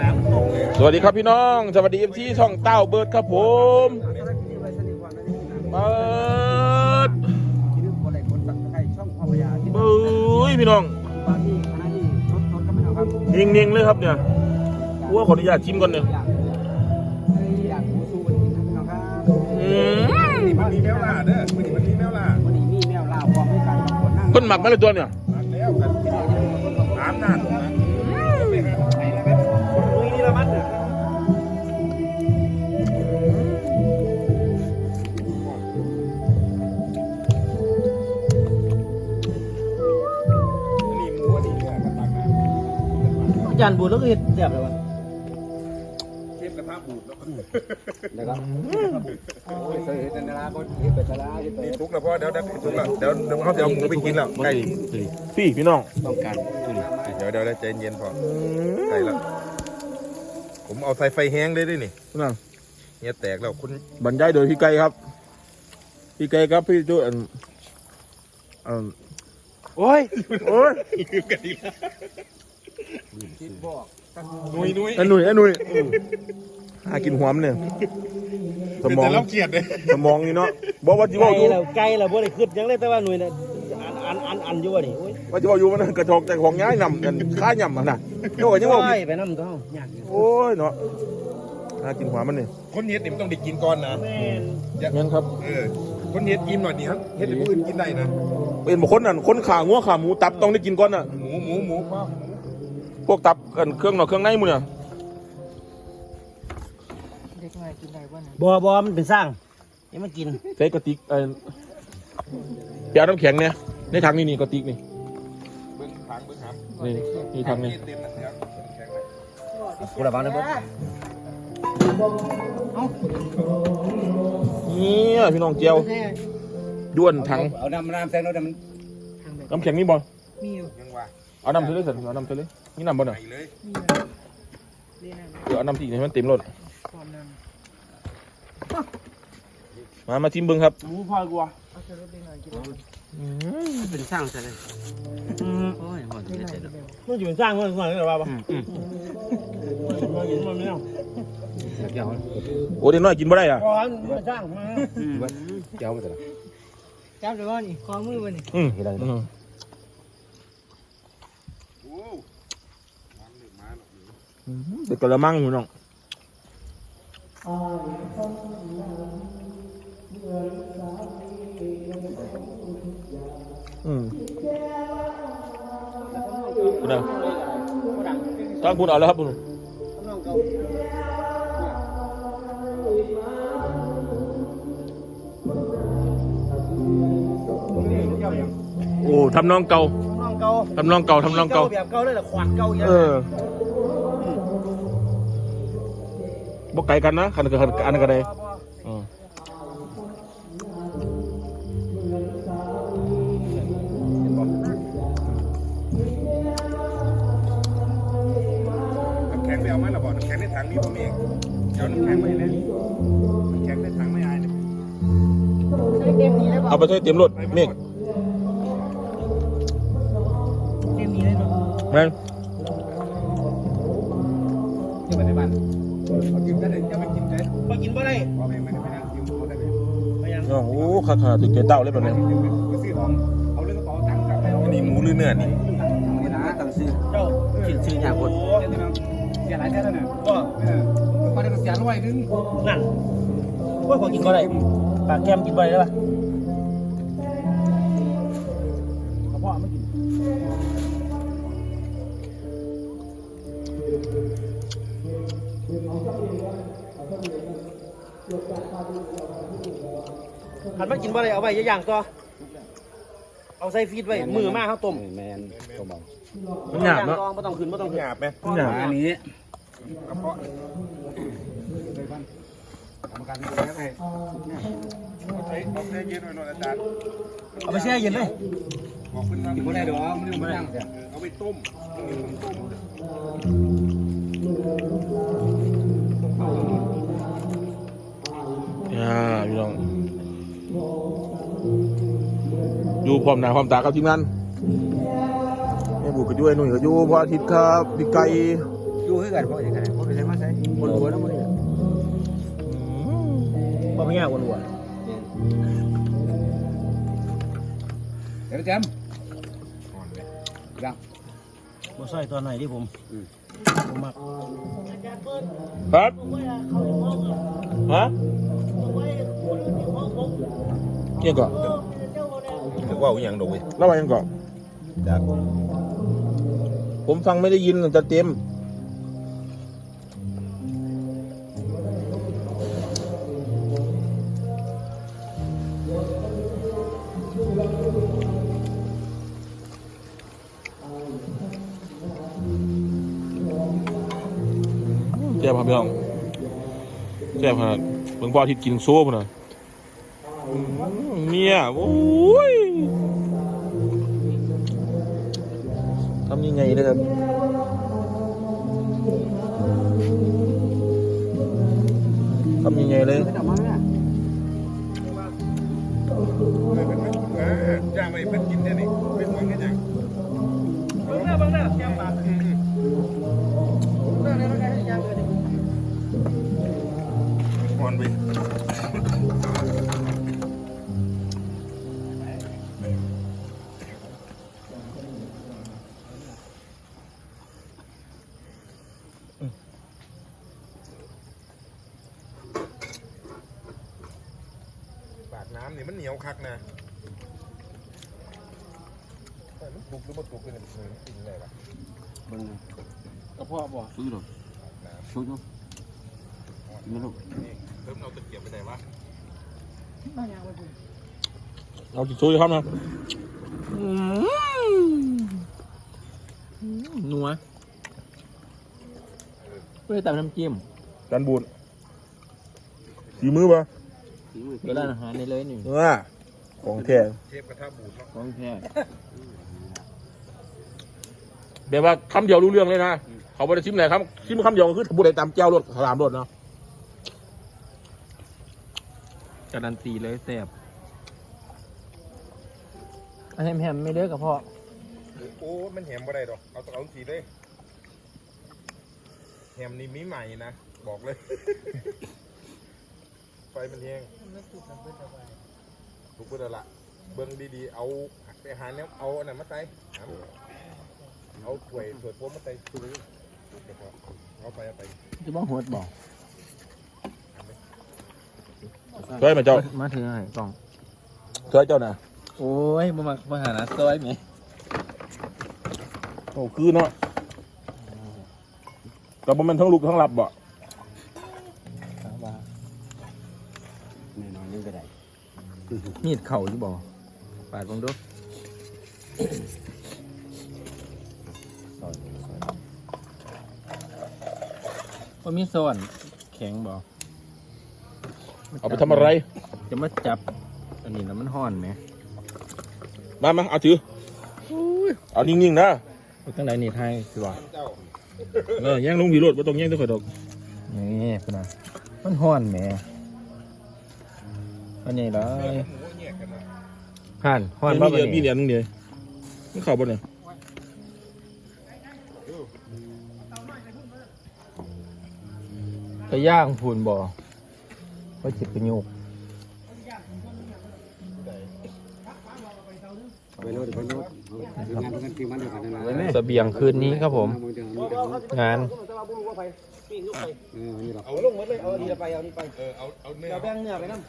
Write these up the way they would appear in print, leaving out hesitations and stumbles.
สวัสดีครับพี่น้องสวัสดีเอฟซีช่องเต้าเบิร์ดครับผมเบิร์ดเบ้ยพี่น้องเน่งๆเลยครับเนี่ยว่าขออนุญาตชิมก่อนเนี่ยมันมีแมวล่าเด้อมันมีแมวล่าเพิ่นหมักมาเลยตัวเนี่ยแล้วกันน้ำนั่นอาจารย์บูดแล้วก็เห็ดแซ่บเลยวะเทปกระทะบูดแล้วแล้วก็เคยเห็นนาบนเห็ดเป็ดลาเห็ดเป็ดทุกแล้วพ่อเดี๋ยวทุกแล้วเดี๋ยวเขาจะเอาหมูไปกินแล้วใกล้พี่น้องต้องการเดี๋ยวใจเย็นพอใกล้แล้วผมเอาใส่ไฟแห้งได้ด้วยนี่นั่นเนี่ยแตกแล้วคุณบรรยายโดยพี่ไก่ครับพี่ไก่ครับพี่จุ๊โอ้ยกันดีละนุยอันหนุ่ยหากินหัวมันเนี่ยสมองเราเกลียดเลยสมองนี่เนาะบอกว่าจีบอยู่ไก่เราบ่ได้ขึ้นยังเลยแต่ว่าหน่วยน่ะอันอยู่วะนี่ว่าจีบอยู่มันกระชอกแต่ของย้ายนำกันค่ายำมันน่ะโยกยังว่าไปน้ำต้องยากโอ้ยเนาะหากินหัวมันเนี่ยคนเฮ็ดนี่มันต้องได้กินก่อนนะงั้นครับคนเฮ็ดอิ่มหน่อยนี่ครับเฮ็ดให้ผู้อื่นกินได้นะเป็นบุคคลนั่นคนขางัวขาหมูตับต้องได้กินก่อนน่ะหมูพวกตับกันเครื่องนอกเครื่องในมึงเนี่ยบ่มันเป็นสร้างนี่มันกินใส่กระติกเปียกน้ำแข็งเนี่ยในถังนี่กระติกนี่เบิ้งถังนี่ถังนี่กูระวังนะเบิ้งนี่พี่น้องเจียวด้วนถังเอาน้ำแซงแล้วน้ำแข็งนี่บอลมีอยู่ยังว่าเอาน้ำเทเลยสิเอาน้ำเทเลยนี่น้ำบอลอ่ะเดี๋ยวเอาน้ำที่ให้มันเต็มรถมาชิมเบิ้งครับหมูพอกว่าเป็นสร้างใช่ไหมโอ้ยหอมเลยมันจะเป็นสร้างมันหรือเปล่ามันไม่เอาโอ้เด็กน้อยกินบ่ได้อ่ะสร้างมาเจ้าไปเถอะจับเลยว่านี่คอมือวันนี้เด็กกระมังอยู่น้องคุณเอาตั้งคุณเอาแล้วครับคุณโอ้ทำน้องเก่าทำน้องเก่าแบบเก่าเลยแต่ขวานเก่าเยอะบกไก่กันนะขันอันกันเลยแข็งไปเอาไหมล่ะบอกแข็งในถังนี้ผมเองเดี๋ยวน้ำแข็งไม่เลยแข็งในถังไม่อายเลยเอาไปใช้เตรียมรถเมฆแม่งจะไปในบ้านเอากินได้เลยจะไม่กินเลยมากินบ่ได้พ่อแม่ไม่ได้ไปนั่งกินเขาได้ไหมโอ้ขาถึงเกเต้าเลยแบบนี้ซื้อของเอาเรื่องกระเป๋าตังค์กลับไปอันนี้หมูหรือเนื้อนี่ตังซื้อเจ้ากินซื้ออย่างคนเสียหลายแท้แล้วเนี่ยก็ได้เสียร้อยนึงนั่นว่าขอกินบ่ได้ปากแก้มกินบ่ได้แล้วป่ะกระเพาะไม่กินขันมากินบ่ได้เอาไว้ย่างก็เอาใส่ฟีดไว้มือมากข้าวต้มแมนต้มเอามันหยาบเนาะไม่ต้องขึ้นหยาบไหมหยาบอันนี้กระเพาะกรรมการที่ดูแลให้เอาแช่เย็นไว้หน่อยอาจารย์เอาไปแช่เย็นเลยบอกขึ้นมากินบ่ได้ดอกมันไม่ได้เอาไปต้มพี่น้องอยู่พร้อมหน้าพร้อมตาครับทีมงานแม่บุกก็อยู่ไอ้หนุ่ยก็อยู่พระอาทิตย์ครับพี่ไก่อยู่คือกันเพราะอย่างไรเพราะไปใช้มาใช้คนรวยแล้วมันเนี่ยบ่เป็นไงวนวัวเดี๋ยวแจมอ่อนเลยยังบ่ใส่ตอนไหนที่ผมมักครับฮะยังก่อนนึกว่าอย่างดอกเว้ยแล้วมายังก่อนจากผมฟังไม่ได้ยินจะเต็มแซ่บครับพี่น้องแซ่บขนาดเบิ่งพ่ออาทิตย์กินโซ่พุ่นน่ะเนี่ยโอ้ยทำยังไงนะครับทำยังไงเลยไม่ต้องมาเนี่ยย่างไปเพิ่นกินเนี่ยนี่เป็นหวังกันยังเบิ่งหน้าแก้มปากหน้าเนี่ยมันได้ยังเลยอ่อนไป ปากน้ำนี่มันเหนียวคักนะแต่มันถูกหรือไม่ถูกกันเนี่ยมันกินได้ปะบึ้งกระเพาะบ่ซื้อหรอซื้อดูไม่รู้นี่เพิ่มเอาตะเกียบไปไหนวะเอาจิตซูครับนะนัวไม่ได้แต่น้ำจิ้มจานบูนสีมือปะเวลาอาหารในเลยนี่ของแท้เชฟกระทะบูดเนาะของแท้แบบว่าคำเดียวรู้เรื่องเลยนะ เขาไม่ได้ชิมไหนครับชิมคำเดียวก็คือบุได้ตามเจ้ารสสามรสเนาะการันตีเลยแซ่บอันแฮมไม่เลิกกับพ่อโอ้มันแหมบ่ได้ดอกเอาสีเลยแหมนี่มีใหม่นะบอกเลย ไฟมันแห้งถูกเพื่อละเบิ้งดีๆเอาไปหาเนี้ยเอาอันนั้นมาใส่เอาถ้วยพวกมาใส่ถุงเอาไปจะบ้าหัวบอกช่วยมาเจ้ามาถือให้กล่องช่วยเจ้าน่ะโอ้ยมาหานะซอยไหมโอ้คือเนาะแต่มันทั้งลุกทั้งหลับบ่แน่นอนนี่ก็ได้มีดเข่าอยู่บ่ปาดบังดูว่ามีส่วนแข็งบ่เอาไปทำอะไรจะมาจับอันนี้แล้วมันห่อนไหมมาเอาถือเอานิ่งๆนะตั้งไหนนี่ไทยสิวะเจ้าแย่งลงวีโรดไม่ต้องแย่งตัวข่อยดอกนี่พุ่นนะมันห่อนแหมอันนี้เลหยมูแยกกันนะห่านห่อนมีบ่เหรียญบัดมีเหรีนี้ยญนึงเดียวนี่เข่าบ่เนี่ยไปย่างพูนบ่ว่าจิบประโยคไปโน่นไปโน่นงานกันกี่วันเดียวกันนะเสบียงคืนนี้ครับผม งานเอาลงหมดเลยเอาดีไปเอานี่ไปเอาเนื้อแบ่งเนื้อไปน้ำ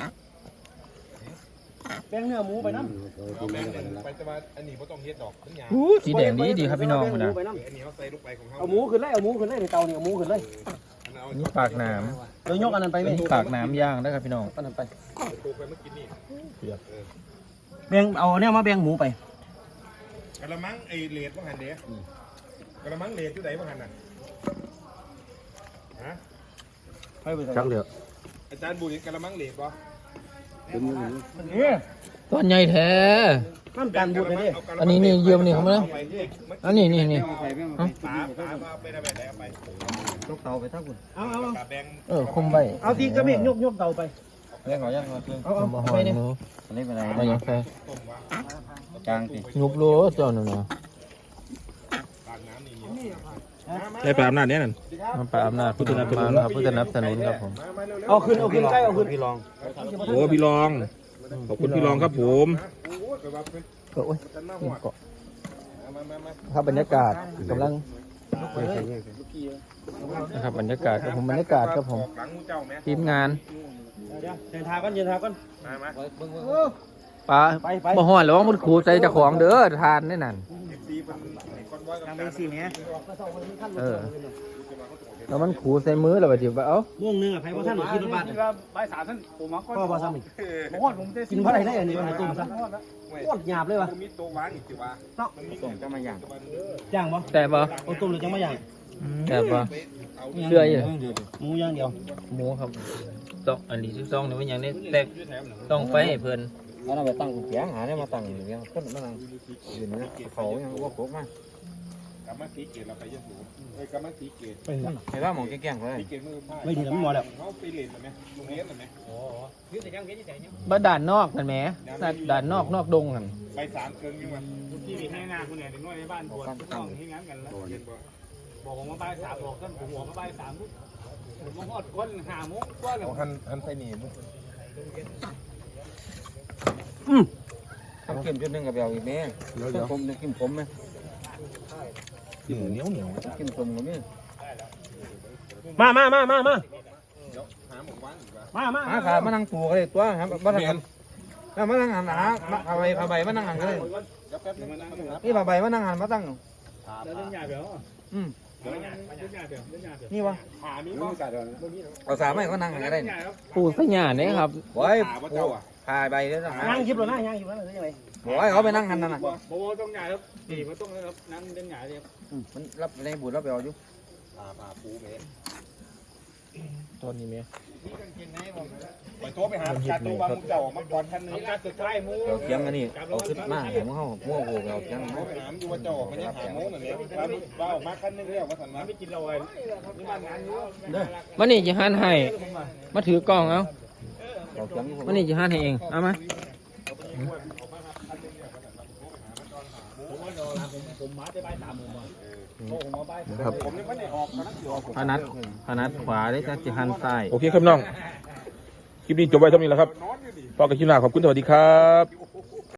แบ่งเนื้อหมูไปน้เอาแบงค์ไปแต่ว่าอันนี้ไม่ต้องเฮ็ดดอกมันหยาบำสีแดงดีครับพี่น้องพุ่นนะอันนี้เขาใส่ลูกไปของเขาเอาหมูขึ้นเลยเอาหมูขึ้นเลยในเตาเนี่ยเอาหมูขึ้นเลยนี่ปากน้ำเรายกอันนั้นไปไหมปากน้ำย่างได้ครับพี่น้องอันนั้นไปตัวไปเมื่อกี้นี่แบ่งเอาเนี่ยมาแบ่งหมูไปกระมังไอเลดว่าหันเดียกระมังเลดอยู่ไหนว่าหันน่ะฮะจังเดียวอาจารย์บูดกระมังเลดป่ะต้นใหญ่แท้น้ำตาลบุญเลยดิอันนี้นี่เยี่ยมนี่เขาไหมอันนี้นี่นี่ปลามาไปได้แบบไหนเอาไปยกเตาไปทั้งคุณเอาปลาแบงคุมไปเอาทีกระเบกยกเตาไปเรื่องของยังเอาเอาไปเนี่ยอันนี้เป็นอะไรมาอย่างไรต้มว่ากลางสิยุบโลเจ้าหนึ่งนะปากน้ำนี่ได้ปลาอำนาจเนี่ยนั่นมันไปอำนาจพุทธนับสนุนครับพุทธนับสนุนครับผมเอาขึ้นใกล้เอาขึ้นพี่รองโอ้พี่รองขอบคุณพี่รองครับผมโอ้ยครับบรรยากาศกำลังนะครับบรรยากาศครับผมบรรยากาศครับผมทีมงานเดินทางก่อนเดินทางก่อนปลาบ่ฮ้อนหรอมันขูดใส่เจ้าของเด้อทานนี่นั่นทางไปสี่เนี้ยแล้วมันขูดใส่มือแล้วบัดนี้เอ้าม่วงนึงอ่ะไผ่พ่อท่านกินบาทใบสามท่านผมมาก็พ่อพ่อซ้ำอีกผมว่าผมได้กินเพราะอะไรได้อันนี้มันตุ่มซะโคตรหยาบเลยวะมีตัววางอีกจิวะส่งจะมาอย่างย่างปะแต่บ่เอาตุ่มหรือจังไม่ย่างแต่บ่เชื่ออยู่หมูย่างเดียวหมูครับต้องอันนี้12นี่มันอย่างนี้แต่ต้องไปให้เพิ่นแล้วเราไปตั้งแขงหาเนี่ยมาตั้งอย่างเงี้ยคนมาตั้งอยู่นี่เขาอย่างว่าโคกมากกำมันสีเกตเราไปยัดหูกำมันสีเกตเห็นว่าหมองแก่งๆเลยสีเกตมือผ้าไม่ดีแล้วไม่หมดแล้วเขาไปเรียนไหมโรงเรียนไหมบ่ด่านนอกนั่นแหมด่านนอกดงนั่นไป3 เกินยังไงที่มีให้งานคนไหนถึงน้อยในบ้านปวดต้องให้งานกันแล้วบอกผมมาใบสามบอกท่านผมหัวมาใบสามปุ๊บผมอดก้น5 โมงกว่าแล้วหันใส่หนีมุกทำเค็มจุดนึงกับเบลอีกแม่ผมเนี่ยกินผมไหมกินเหนียวกินผมกับนี่มาหาขามานั่งปูกันเลยตัวครับมานั่งแล้วมานั่งหันหาผ้าใบมานั่งหันกันเลยนี่ผ้าใบมานั่งหันมาตั้งเรื่องใหญ่เดี๋ยวนี่วะหามีบ้างเอาสามไม่ก็นั่งหันกันได้ปูสัญญาเนี่ยครับโอ้ยผ้าใบเนี่ยย่างคลิปเลยนะย่างคลิปนั่นเลยยังไงโอ้ยเขาไปนั่งหันนั่นน่ะโบต้องใหญ่ครับดีมันต้องนั่งเล่นใหญ่เลยมันรับในบุญรับเบลอยู่ตอนนี้แม่ไปโทรไปหาการตัวบางเจ้ามาก่อนท่านนึงการสุดท้ายมูเราเคียงอันนี้เอาขึ้นมาเดี๋ยวมันเข้ามั่วโผล่เราเคียงถามอยู่ว่าเจ้ามันยังหาโม้นั่นเนี่ยว่าออกมาคันนึงแล้วว่าสันมาไม่กินเราเลยนี่บ้านงานนู้นมันนี่จะหันให้มาถือกล้องเอาเราเคียงมันนี่จะหันให้เองเอามาผมมาได้ใบ3 โมงผมมาใบครับผมยังไม่ได้ออกนะที่ออกพนัดขวาได้จะหันซ้ายโอเคครับน้องคลิปนี้จบไว้เท่านี้แล้วครับพอกันคลิปหน้าขอบคุณสวัสดีครับ